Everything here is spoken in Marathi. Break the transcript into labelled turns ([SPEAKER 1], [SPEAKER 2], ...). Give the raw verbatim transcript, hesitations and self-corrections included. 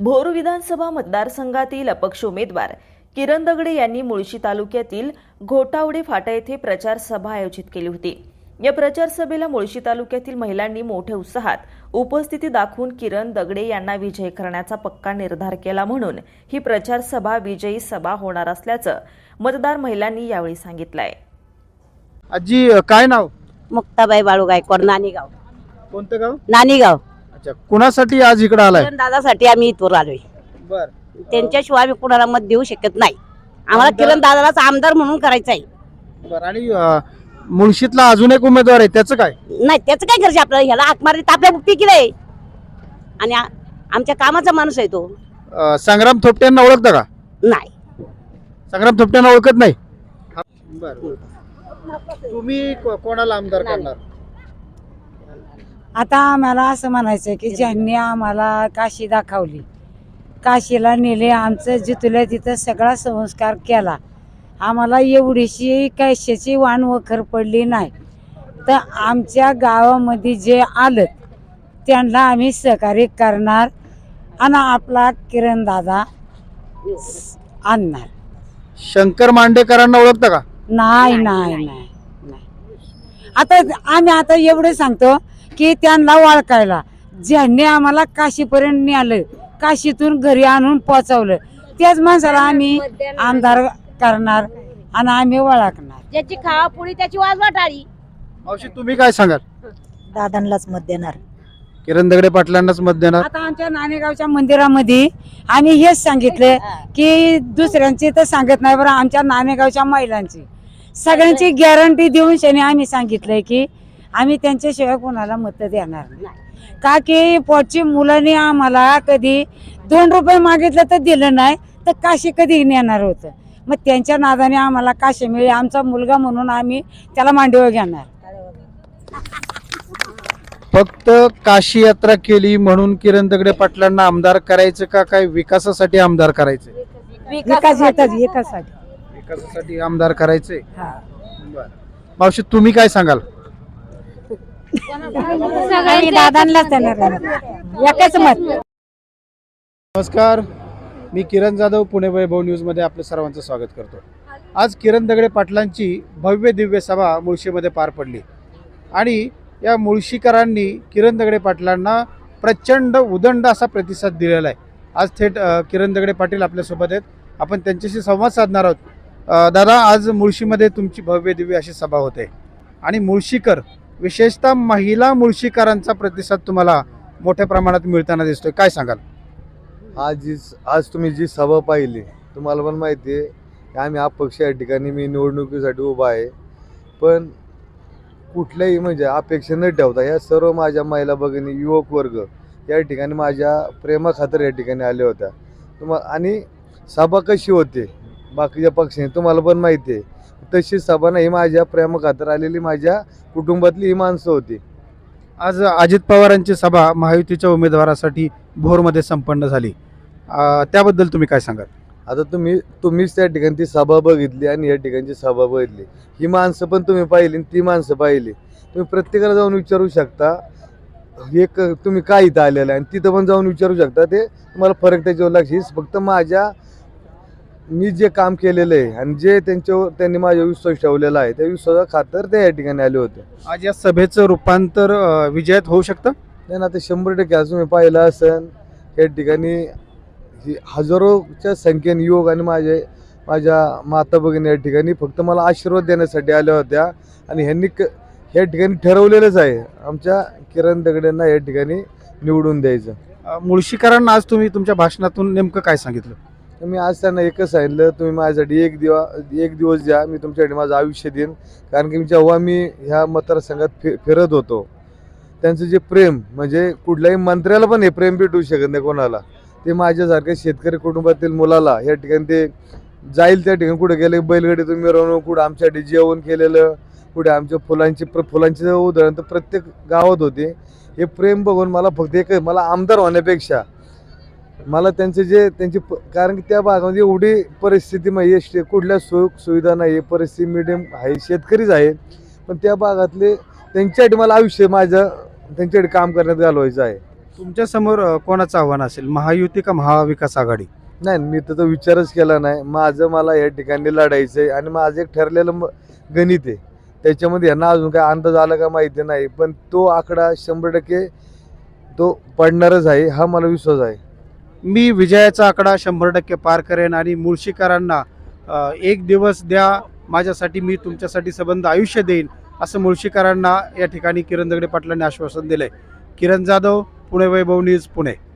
[SPEAKER 1] भोर विधानसभा मतदारसंघातील अपक्ष उमेदवार किरण दगडे यांनी मुळशी तालुक्यातील घोटावडे फाटा येथे प्रचार सभा आयोजित केली होती। या प्रचार सभेला मुळशी तालुक्यातील महिलांनी मोठ्या उत्साहात उपस्थिती दाखवून किरण दगडे यांना विजयी करण्याचा पक्का निर्धार केला, म्हणून ही प्रचार सभा विजयी सभा होणार असल्याचं मतदार महिलांनी यावेळी सांगितलंय।
[SPEAKER 2] आजी काय नाव?
[SPEAKER 3] मुक्ताबाई बाळू गायकवाड, नानीगाव।
[SPEAKER 2] कोणतं गाव?
[SPEAKER 3] नानीगाव।
[SPEAKER 2] अच्छा, कुणासाठी आज इकडे आलाय?
[SPEAKER 3] दादासाठी आम्ही इथवर आलोय।
[SPEAKER 2] बर,
[SPEAKER 3] त्यांच्याशिवाय आम्ही कुणाला मत देऊ शकत नाही। आम्हाला किरण दादालाच आमदार म्हणून करायचं आहे।
[SPEAKER 2] बर, आणि मुळशीतला अजून एक उमेदवार आहे, त्याचं काय?
[SPEAKER 3] नाही, त्याचं काय करायचं आपल्याला? ह्याला हाक मारली तर आपल्या बुक्ती केलंय आणि आमच्या कामाचा माणूस आहे तो।
[SPEAKER 2] अं, संग्राम थोपट्यांना ओळखता का?
[SPEAKER 3] नाही,
[SPEAKER 2] संग्राम थोपट्यांना ओळखत नाही। बर, तुम्ही को- कोणाला आमदार करणार?
[SPEAKER 4] आता आम्हाला असं म्हणायचं की ज्यांनी आम्हाला काशी दाखवली, काशीला नेले, आमचं जिथल्या तिथं सगळा संस्कार केला, आम्हाला एवढीशी कशाची वाण वखर पडली नाही, तर आमच्या गावामध्ये जे आलं त्यांना आम्ही सहकार्य करणार आणि आपला किरण दादा आणणार।
[SPEAKER 2] शंकर मांडेकरांना ओळखता का?
[SPEAKER 4] नाही नाही नाही नाही। आता आम्ही आता एवढं सांगतो की त्यांना ओळखायला ज्यांनी आम्हाला काशीपर्यंत नेलं, काशीतून घरी आणून पोचवलं, त्याच माणसाला आम्ही आमदार करणार आणि आम्ही ओळखणार।
[SPEAKER 3] ज्याची खावापुडी त्याची वाज वाटाळी।
[SPEAKER 2] मावशी, तुम्ही काय सांगाल?
[SPEAKER 4] दादांनाच मत देणार।
[SPEAKER 2] किरण दगडे पाटलांनाच मत देणार?
[SPEAKER 4] आता आमच्या नाणेगावच्या मंदिरामध्ये आम्ही हेच सांगितले की दुसऱ्यांची तर सांगत नाही, बरं आमच्या नाणेगावच्या महिलांची सगळ्यांची गॅरंटी देऊन शनी आम्ही सांगितलंय की आम्ही त्यांच्याशिवाय कोणाला मत देणार नाही। का की पोटची मुलांनी आम्हाला कधी दोन रुपये मागितलं तर दिलं नाही, तर काशी कधी नेणार होतं? मग त्यांच्या नादाने आम्हाला काशी मिळेल, आमचा मुलगा म्हणून आम्ही त्याला मांडीवर घेणार।
[SPEAKER 2] फक्त काशी यात्रा केली म्हणून किरण दगडे पाटलांना आमदार करायचं का, काय विकासासाठी आमदार करायचं?
[SPEAKER 4] विकास येतात एकासाठी
[SPEAKER 2] विकासासाठी आमदार करायचंय। बरं, मावशी तुम्ही काय सांगाल?
[SPEAKER 4] दादांनाच देणार एकच मत।
[SPEAKER 2] नमस्कार, मी किरण जाधव, पुणे वैभव न्यूज मध्ये आपलं सर्वांचं स्वागत करतो। आज किरण दगडे पाटलांची भव्य दिव्य सभा मुळशीमध्ये पार पडली आणि या मुळशीकरांनी किरण दगडे पाटलांना प्रचंड उदंड असा प्रतिसाद दिलेला आहे। आज थेट अ, किरण दगडे पाटील आपल्यासोबत आहेत, आपण त्यांच्याशी संवाद साधणार आहोत। अ, दादा, आज मुळशीमध्ये तुमची भव्य दिव्य अशी सभा होते आणि मुळशीकर, विशेषतः महिला मुळशीकरांचा प्रतिसाद तुम्हाला मोठ्या प्रमाणात मिळताना दिसतोय, काय सांगाल?
[SPEAKER 5] आज जी आज तुम्ही जी सभा पाहिली, तुम्हाला पण माहिती आहे की आम्ही अपक्ष या ठिकाणी मी निवडणुकीसाठी उभा आहे, पण कुठल्याही म्हणजे अपेक्षा न ठेवता या सर्व माझ्या महिला भगिनी, युवक वर्ग या ठिकाणी माझ्या प्रेमाखातर या ठिकाणी आले होत्या। तुम्हा आणि सभा कशी होते बाकीच्या पक्षांनी तुम्हाला पण माहिती आहे, तशी सभा नाही, माझ्या प्रेमाखातर आलेली माझ्या कुटुंबातली ही माणसं होती।
[SPEAKER 2] आज अजित पवारांची सभा महायुतीच्या उमेदवारासाठी भोरमध्ये संपन्न झाली, अ, त्याबद्दल तुम्ही काय सांगाल?
[SPEAKER 5] आता तुम्ही तुम्हीच त्या ठिकाणी ती सभा बघितली आणि या ठिकाणची सभा बघितली, ही माणसं पण तुम्ही पाहिली, ती माणसं पाहिली, तुम्ही प्रत्येकाला जाऊन विचारू शकता एक तुम्ही काय इथं आलेलं आहे, आणि तिथं पण जाऊन विचारू शकता, ते तुम्हाला फरक त्याच्यावर लागेल। फक्त माझ्या मी जे काम केलेलं आहे आणि जे त्यांच्यावर त्यांनी माझ्या विश्वास ठेवलेला आहे, त्या विश्वासा खातर ते या ठिकाणी आले होते।
[SPEAKER 2] आज या सभेचं रूपांतर अ, विजयात होऊ शकतं?
[SPEAKER 5] नाही, आता शंभर टक्के आज तुम्ही पाहिलं असेल या ठिकाणी ही हजारोच्या संख्येने युवक आणि माझे माझ्या माता भगिनी या ठिकाणी फक्त मला आशीर्वाद देण्यासाठी आल्या होत्या आणि ह्यांनी क या ठिकाणी ठरवलेलंच आहे आमच्या किरण दगडेंना या ठिकाणी निवडून द्यायचं।
[SPEAKER 2] अ, मुळशीकरांना आज तुम्ही तुमच्या भाषणातून नेमकं काय सांगितलं?
[SPEAKER 5] तर मी आज त्यांना एकच सांगितलं, तुम्ही माझ्यासाठी एक दिवा एक दिवस द्या, मी तुमच्यासाठी माझं आयुष्य देईन। कारण की जेव्हा मी ह्या मतदारसंघात फि फिरत होतो, त्यांचं जे प्रेम म्हणजे कुठल्याही मंत्र्याला पण हे प्रेम भेटू शकत नाही कोणाला, ते माझ्यासारख्या शेतकरी कुटुंबातील मुलाला या ठिकाणी ते जाईल त्या ठिकाणी कुठे गेले, बैलगाडीतून मिरवणूक, कुठं आमच्यासाठी जेवण केलेलं, कुठे आमच्या फुलांची प्र फुलांची उदाहरण तर प्रत्येक गावात होते। हे प्रेम बघून मला फक्त एक मला आमदार होण्यापेक्षा मला त्यांचे जे त्यांची कारण की त्या भागामध्ये एवढी परिस्थिती म्हणजे कुठल्या सुख सुविधा नाही, परिस्थिती मिडियम आहे, शेतकरीच आहे, पण त्या भागातले त्यांच्यासाठी मला आयुष्य माझं त्यांच्याकडे काम करण्यात घालवायचं आहे।
[SPEAKER 2] तुमच्या समोर अ, कोणाचं आव्हान असेल, महायुती का महाविकास आघाडी?
[SPEAKER 5] नाही, मी तर तो विचारच केला नाही. माझं मला या ठिकाणी लढायचं आहे आणि माझं एक ठरलेलं म- गणित आहे. त्याच्यामध्ये यांना अजून काय अंदाज आला का माहिती नाही, पण तो आकडा शंभर टक्के तो पडणारच आहे, हा मला विश्वास आहे.
[SPEAKER 2] मी विजयाचा आकडा शंभर टक्के पार करेन आणि मुळशीकरांना अ, एक दिवस द्या माझ्यासाठी, मी तुमच्यासाठी संबंध आयुष्य देईन, असं मुळशीकरांना या ठिकाणी किरण दगडे पाटलांनी आश्वासन दिलंय. किरण जाधव, पुणे वैभव न्यूज, पुणे.